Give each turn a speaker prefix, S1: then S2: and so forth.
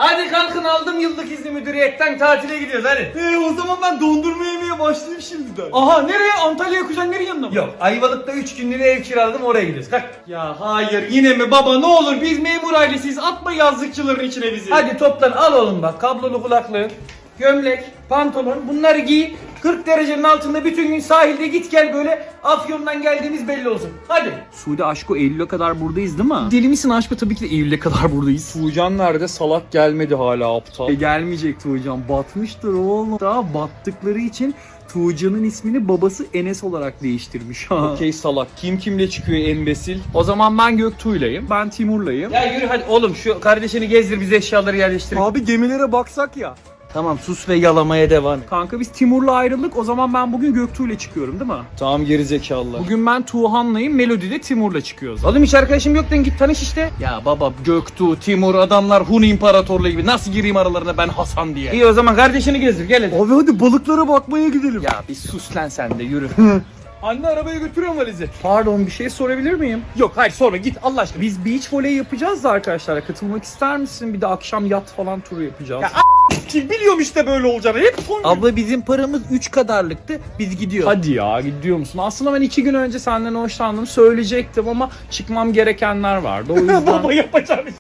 S1: Hadi kalkın, aldım yıllık izni müdüriyetten, tatile gidiyoruz hadi.
S2: O zaman ben dondurma yemeye başlayayım şimdiden.
S1: Aha, nereye? Antalya'ya kuzenlerin yanına mı? Yok, Ayvalık'ta 3 günlüğüne ev kiraladım, oraya gidiyoruz. Kalk. Ya hayır, yine mi baba, ne olur, biz memur ailesiyiz, atma yazlıkçıların içine bizi. Hadi toplan, al oğlum bak, kablolu kulaklığın, gömlek, pantolon, bunları giy. 40 derecenin altında bütün gün sahilde git gel, böyle Afyon'dan geldiğimiz belli olsun. Hadi.
S2: Suudi Aşko Eylül'e kadar buradayız değil mi?
S1: Deli misin Aşko? Tabii ki de Eylül'e kadar buradayız.
S2: Tuğcan nerede? Salak gelmedi hala aptal.
S1: Gelmeyecek Tuğcan. Batmıştır oğlum.
S2: Daha battıkları için Tuğcan'ın ismini babası Enes olarak değiştirmiş.
S1: Okey salak. Kim kimle çıkıyor embesil?
S2: O zaman ben Göktuğ'layım. Ben Timur'layım.
S1: Ya yürü hadi oğlum, şu kardeşini gezdir, biz eşyaları yerleştirelim.
S2: Abi gemilere baksak ya.
S1: Tamam, sus ve yalamaya devam et.
S2: Kanka biz Timur'la ayrıldık. O zaman ben bugün Göktuğ'la çıkıyorum değil mi?
S1: Tamam gerizekalılar.
S2: Bugün ben Tuğhan'layım. Melodi'de Timur'la çıkıyoruz.
S1: Oğlum hiç arkadaşım yok, git tanış işte.
S2: Ya baba Göktuğ, Timur adamlar Hun İmparatorluğu gibi. Nasıl gireyim aralarına ben Hasan diye?
S1: İyi o zaman kardeşini gezdir, gel hadi.
S2: Abi hadi balıklara bakmaya gidelim.
S1: Ya bir sus lan sen de, yürü.
S2: Anne arabaya götürüyorum valizi.
S1: Pardon, bir şey sorabilir miyim?
S2: Yok hayır sonra git Allah aşkına. Biz beach voley yapacağız da arkadaşlar. Katılmak ister misin? Bir de akşam yat falan turu yapacağız.
S1: Ya
S2: biliyorum işte böyle olacağını. Hep
S1: Abla bizim paramız 3 kadarlıktı, biz gidiyoruz.
S2: Hadi ya gidiyor musun? Aslında ben 2 gün önce senden hoşlandım söyleyecektim ama çıkmam gerekenler vardı. O yüzden...
S1: Baba yapacağım